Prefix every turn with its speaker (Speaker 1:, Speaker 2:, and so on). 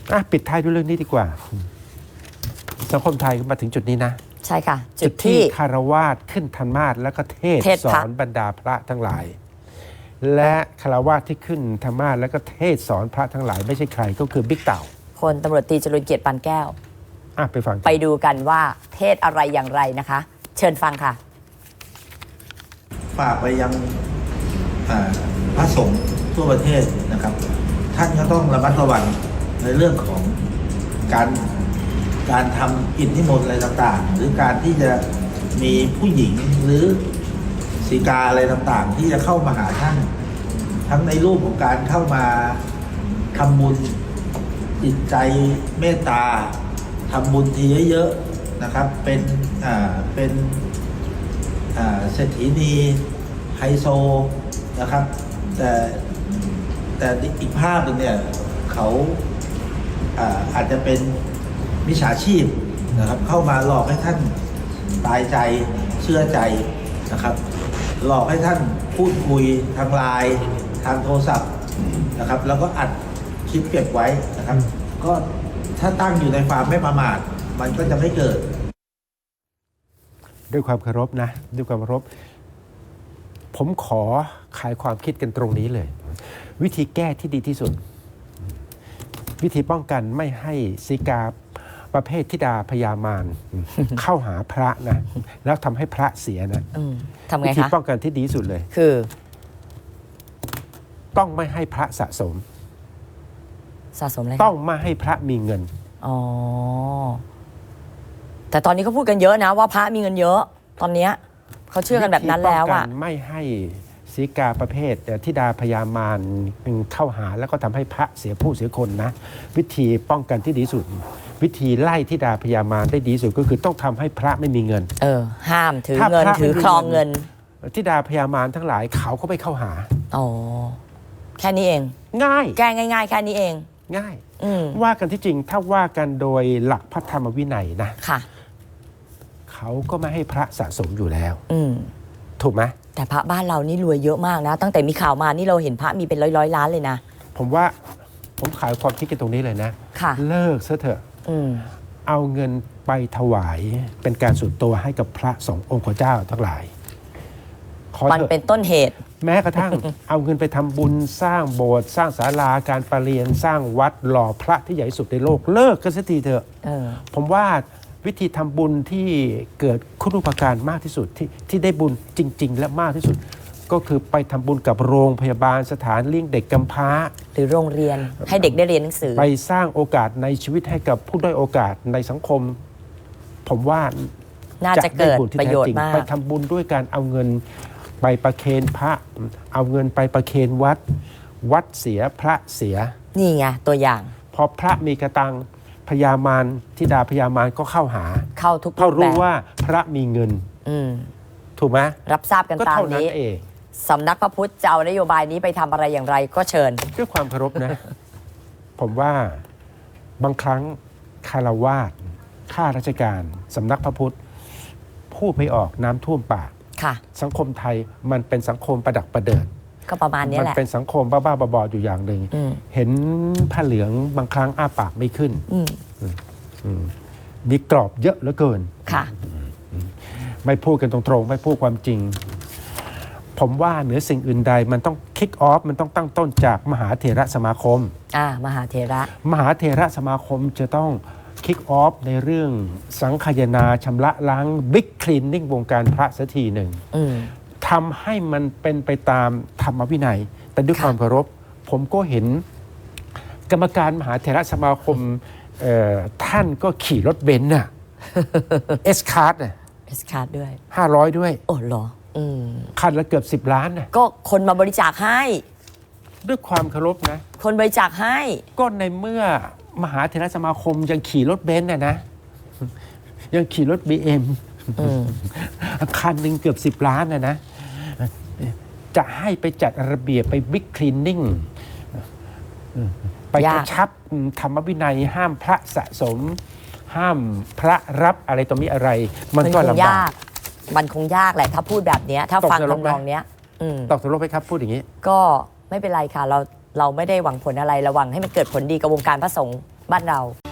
Speaker 1: ปิดท้ายด้วยเรื่องนี้ดีกว่าสังคมไทยมาถึงจุดนี้นะ
Speaker 2: ใช่ค่ะ
Speaker 1: จุดที่คารวาสขึ้นธรรมาสแล้วก็เทศสอนบรรดาพระทั้งหลายและคารวาสที่ขึ้นธรรมาสแล้วก็เทศสอนพระทั้งหลายไม่ใช่ใครก็คือบิ๊กเต่า
Speaker 2: พลตำรวจตรีจรุลเกียรติปานแก้ว
Speaker 1: ไปฟัง
Speaker 2: ไปดูกันว่าเทศอะไรอย่างไรนะคะ เชิญฟังค่ะ
Speaker 3: ฝากไปยังพระสงฆ์ทั่วประเทศนะครับท่านก็ต้องระมัดระวังในเรื่องของการทำกิจนิมนต์อะไรต่างๆหรือการที่จะมีผู้หญิงหรือศีกาอะไรต่างๆที่จะเข้ามาหาท่านทั้งในรูปของการเข้ามาทำบุญจิตใจเมตตาทำบุญทีเยอะๆนะครับเป็นเศรษฐีนีไฮโซนะครับแต่อีกภาพหนึ่งเนี่ยเขาอาจจะเป็นมิจฉาชีพนะครับเข้ามาหลอกให้ท่านตายใจเชื่อใจนะครับหลอกให้ท่านพูดคุยทางไลน์ทางโทรศัพท์นะครับแล้วก็อัดคลิปเก็บไว้นะครับก็ถ้าตั้งอยู่ในความไม่ประมาทมันก็จะไม่เกิด
Speaker 1: ด้วยความเคารพนะด้วยความเคารพผมขอขายความคิดกันตรงนี้เลยวิธีแก้ที่ดีที่สุดวิธีป้องกันไม่ให้ศีกาประเภทธิดาพยามารเข้าหาพระนะแล้วทำให้พระเสียนะ
Speaker 2: ทำไงคะวิ
Speaker 1: ธีป้องกันที่ดีที่สุดเลย
Speaker 2: คือ
Speaker 1: ต้องไม่ให้พระสะสม
Speaker 2: อะไร
Speaker 1: ต้องไม่ให้พระมีเงิน
Speaker 2: อ๋อแต่ตอนนี้เขาพูดกันเยอะนะว่าพระมีเงินเยอะตอนนี้เขาเชื่อกันแบบนั้นแล้วอะ
Speaker 1: ไม่ให้ศีกาประเภทธิดาพยามารเข้าหาแล้วก็ทำให้พระเสียผู้เสียคนนะวิธีป้องกันที่ดีสุดวิธีไล่ธิดาพยามารได้ดีสุดก็คือต้องทำให้พระไม่มีเงิน
Speaker 2: ห้ามถือเงินถือครองเงิน
Speaker 1: ธิดาพยามารทั้งหลายเขาก็ไม่เข้าหา
Speaker 2: อ๋อแค่นี้เอง
Speaker 1: ง่าย
Speaker 2: แก้ง่ายๆแค่นี้เอง
Speaker 1: ง่ายว่ากันที่จริงถ้าว่ากันโดยหลักพระธรรมวินัยนะ
Speaker 2: ค่ะ
Speaker 1: เขาก็ไม่ให้พระสะสมอยู่แล้วถูกไหม
Speaker 2: แต่พระบ้านเรานี่รวยเยอะมากนะตั้งแต่มีข่าวมานี่เราเห็นพระมีเป็นร้อยล้านเลยนะ
Speaker 1: ผมขายความคิดกันตรงนี้เลยนะ
Speaker 2: ค่ะ
Speaker 1: เลิกซะเถอะเอาเงินไปถวายเป็นการส่วนตัวให้กับพระสงฆ์องค์เจ้าทั้งหลาย
Speaker 2: มันเป็นต้นเหตุ
Speaker 1: แม้กระทั่ง เอาเงินไปทำบุญสร้างโบสถ์สร้างศาลาการประเรียนสร้างวัดหล่อพระที่ใหญ่สุดในโลกเลิกกันสักทีเถอะผมว่าวิธีทำบุญที่เกิดคุณูปการมากที่สุดที่ได้บุญจริงๆและมากที่สุดก็คือไปทำบุญกับโรงพยาบาลสถานเลี้ยงเด็กกำพร้า
Speaker 2: หรือโรงเรียนให้เด็กได้เรียนหนังสือ
Speaker 1: ไปสร้างโอกาสในชีวิตให้กับผู้ด้อยโอกาสในสังคมผมว่า
Speaker 2: น่าจะเกิดประโยชน์มาก
Speaker 1: ไปทำบุญด้วยการเอาเงินไปประเคนพระเอาเงินไปประเคนวัดเสียพระเสีย
Speaker 2: นี่ไงตัวอย่าง
Speaker 1: พอพระมีกระตังพยามารธิดาพยามารก็เข้าหา
Speaker 2: ทุก
Speaker 1: เขารู้ว่าพระมีเงินถูกไหม
Speaker 2: รับทราบกันตามนี้สำนักพระพุทธจะเอานโยบายนี้ไปทำอะไรอย่างไรก็เชิญ
Speaker 1: ด้วยความเคารพนะ ผมว่าบางครั้งคารวาสข้าราชการสำนักพระพุทธพูดไม่ออกน้ำท่วมปากสังคมไทยมันเป็นสังคมประดักประเดิด
Speaker 2: ก็ประมาณนี้แหละ
Speaker 1: มันเป็นสังคมบ้าๆบอๆอยู่อย่างหนึ่งเห็นผ้าเหลืองบางครั้งอ้าปากไม่ขึ้นมีกรอบเยอะเหลือเกิน
Speaker 2: ค่ะ
Speaker 1: ไม่พูดกันตรงๆไม่พูดความจริงผมว่าเหนือสิ่งอื่นใดมันต้องคิกออฟมันต้องตั้งต้นจากมหาเถรสมาคม
Speaker 2: มหาเถ
Speaker 1: รสมาคมจะต้องคิกออฟในเรื่องสังคายนาชำระล้างบิ๊กคลีนนิ่งวงการพระสักทีหนึ่งทำให้มันเป็นไปตามธรรมวินัยแต่ด้วยความเคารพผมก็เห็นกรรมการมหาเถรสมาคมท่านก็ขี่รถเบนซ์น่ะเอสคาร์ด
Speaker 2: ด้วย
Speaker 1: 500ด้วย
Speaker 2: โอ้เหรอ
Speaker 1: คันละเกือบ10 ล้านนะ
Speaker 2: ก็คนมาบริจาคให้
Speaker 1: ด้วยความเคารพนะ
Speaker 2: คนบริจาคให้
Speaker 1: ก็ในเมื่อมหาเถรสมาคมยังขี่รถเบนซ์นะยังขี่รถ BM คันหนึ่งเกือบ10 ล้านนะจะให้ไปจัดระเบียบไปบิ๊กคลีนนิ่งไปกระชับธรรมวินัยห้ามพระสะสมห้ามพระรับอะไรต่อมีอะไรมันก็ลำบาก
Speaker 2: มันคงยากแหละถ้าพูดแบบนี้ถ้าฟังทำนองเนี้ย
Speaker 1: ตกตกลงไปครับพูดอย่างนี้
Speaker 2: ก็ไม่เป็นไรค่ะเราไม่ได้หวังผลอะไรระวังให้มันเกิดผลดีกับวงการพระสงฆ์บ้านเรา